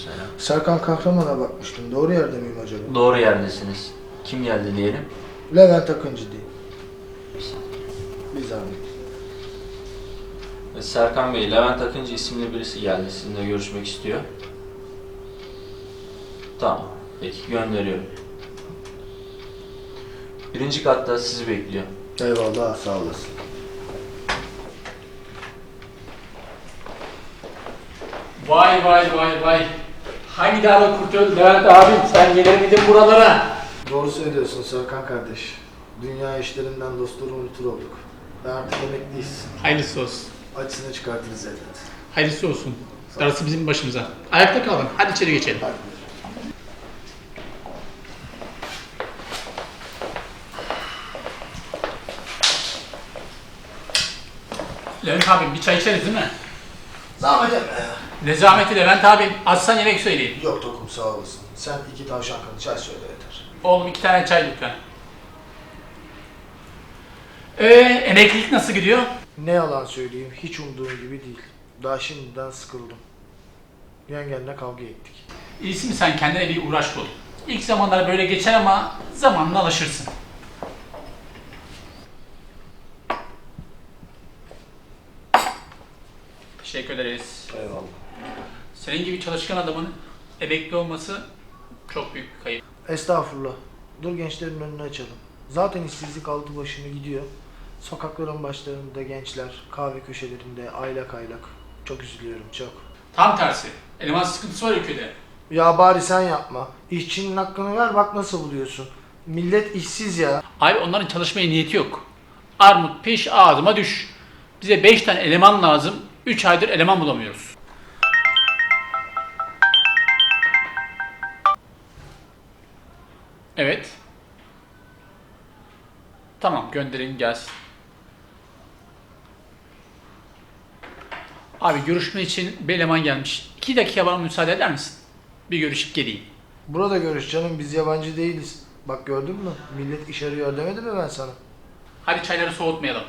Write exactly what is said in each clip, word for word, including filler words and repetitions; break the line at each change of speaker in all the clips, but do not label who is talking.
Aleykümselam.
Serkan Kahraman'a bakmıştım. Doğru yerde miyim acaba?
Doğru yerdesiniz. Kim geldi diyelim?
Levent Akıncı değil. Bir zahmet.
Ve Serkan Bey, Levent Akıncı isimli birisi geldi. Sizinle görüşmek istiyor. Tamam. Peki, gönderiyorum. Birinci katta sizi bekliyor.
Eyvallah, sağ olasın.
Vay vay vay vay. Hangi dağda kurt öldü Levent abim, sen gelir miydin buralara?
Doğru söylüyorsun Serkan kardeş. Dünya işlerinden dostları unutur olduk. Ben artık emekliyiz.
Hayırlısı olsun.
Acısını çıkartırız elbet.
Hayırlısı olsun. Darısı bizim başımıza. Ayakta kalın. Hadi içeri geçelim.
Hadi.
Levent abim bir çay içeriz değil mi?
Zahmet etme ya.
Ne zahmeti Levent abim. Açsan yemek söyleyin.
Yok Tokum, sağ olasın. Sen iki tavşan kanı çay söyle yeter.
Oğlum iki tane çay lütfen. Ee, emeklilik nasıl gidiyor?
Ne yalan söyleyeyim, hiç umduğum gibi değil. Daha şimdiden sıkıldım. Yengenle kavga ettik.
İyisi mi sen kendine bir uğraş bul. İlk zamanlar böyle geçer ama zamanla alışırsın. Teşekkür ederiz.
Eyvallah.
Senin gibi çalışkan adamın emekli olması çok büyük bir kayıp.
Estağfurullah. Dur gençlerin önünü açalım. Zaten işsizlik aldı başını gidiyor. Sokakların başlarında gençler, kahve köşelerinde aylak aylak. Çok üzülüyorum, çok.
Tam tersi. Eleman sıkıntısı var ülkede.
Ya bari sen yapma. İşçinin hakkını ver, bak nasıl buluyorsun. Millet işsiz ya.
Abi onların çalışmaya niyeti yok. Armut piş ağzıma düş. Bize beş tane eleman lazım. üç aydır eleman bulamıyoruz. Evet. Tamam gönderin gelsin. Abi görüşme için bir eleman gelmiş. iki dakika bana müsaade eder misin? Bir görüşüp geleyim.
Burada görüş canım, biz yabancı değiliz. Bak gördün mü? Millet iş arıyor demedim mi ben sana?
Hadi çayları soğutmayalım.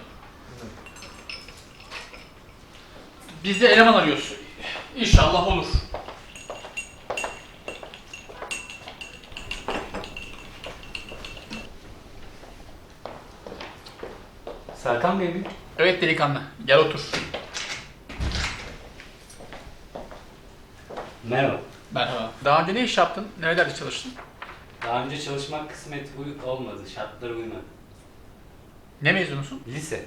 Biz de eleman arıyoruz. İnşallah olur.
Serkan Bey mi?
Evet delikanlı, gel otur.
Merhaba.
Merhaba. Daha önce ne iş yaptın? Nerelerde çalıştın?
Daha önce çalışmak kısmet uy- olmadı, şartlara uymadı.
Ne mezunusun?
Lise.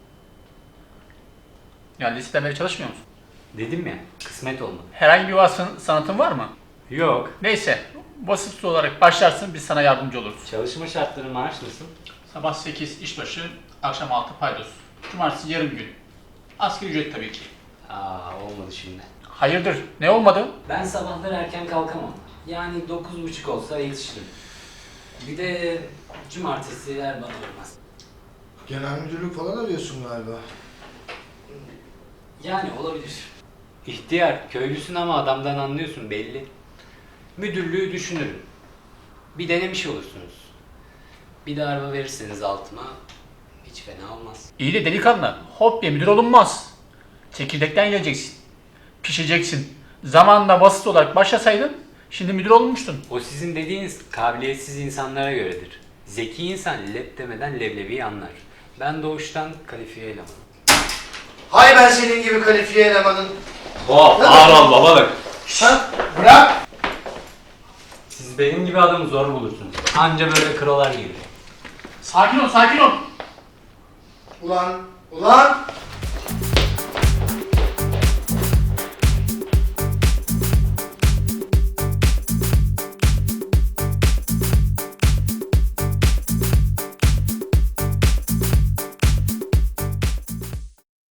Ya liseden beri çalışmıyor musun?
Dedim ya, kısmet olmadı.
Herhangi bir vasfın, sanatın var mı?
Yok.
Neyse, vasıfsız olarak başlarsın, biz sana yardımcı oluruz.
Çalışma şartları, maaş nasıl?
Sabah sekiz işbaşı, akşam altı paydos. Cumartesi yarım gün. Asgari ücret tabii ki.
Aa, olmadı şimdi.
Hayırdır, ne olmadı?
Ben sabahları erken kalkamam. Yani dokuz buçuk olsa yetişirim. Bir de cumartesi her bana olmaz.
Genel müdürlük falan arıyorsun galiba.
Yani olabilir. İhtiyar, köylüsün ama adamdan anlıyorsun belli. Müdürlüğü düşünürüm. Bir denemiş olursunuz. Bir de araba verirseniz altıma hiç fena olmaz.
İyi de delikanlı, hop diye müdür olunmaz. Çekirdekten geleceksin. Pişeceksin. Zamanında basit olarak başlasaydın, şimdi müdür olmuştun.
O sizin dediğiniz kabiliyetsiz insanlara göredir. Zeki insan lep demeden leblebiyi anlar. Ben doğuştan kalifiye elemanım.
Hay ben senin gibi kalifiye elemanın.
Hop, ağır ol babalık.
Ha? Bırak!
Siz benim gibi adamı zor bulursunuz. Anca böyle krolar gelir.
Sakin ol, sakin ol.
Ulan, ulan!